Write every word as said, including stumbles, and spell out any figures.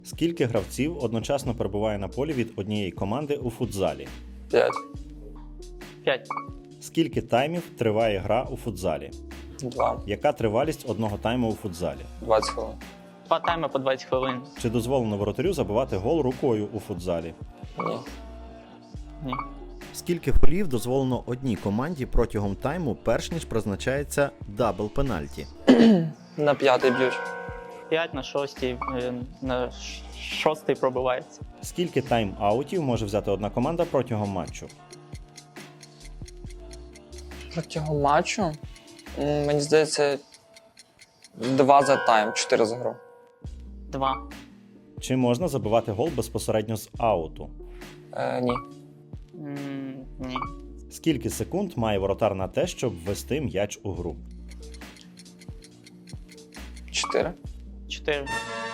Скільки гравців одночасно перебуває на полі від однієї команди у футзалі? п'ять. п'ять. Скільки таймів триває гра у футзалі? два. Яка тривалість одного тайму у футзалі? двадцять хвилин. Два тайми по двадцять хвилин. Чи дозволено воротарю забивати гол рукою у футзалі? Ні. Ні. Скільки голів дозволено одній команді протягом тайму, перш ніж призначається дабл пенальті? На п'ятий б'ють. п'ять на шостій, е, на ш- шостий пробивається. Скільки тайм-аутів може взяти одна команда протягом матчу? Протягом матчу, м, мені здається, два за тайм, чотири за гру. Два. Чи можна забивати гол безпосередньо з ауту? Е, ні. М, Ні. Скільки секунд має воротар на те, щоб ввести м'яч у гру? Чотири. Чотири.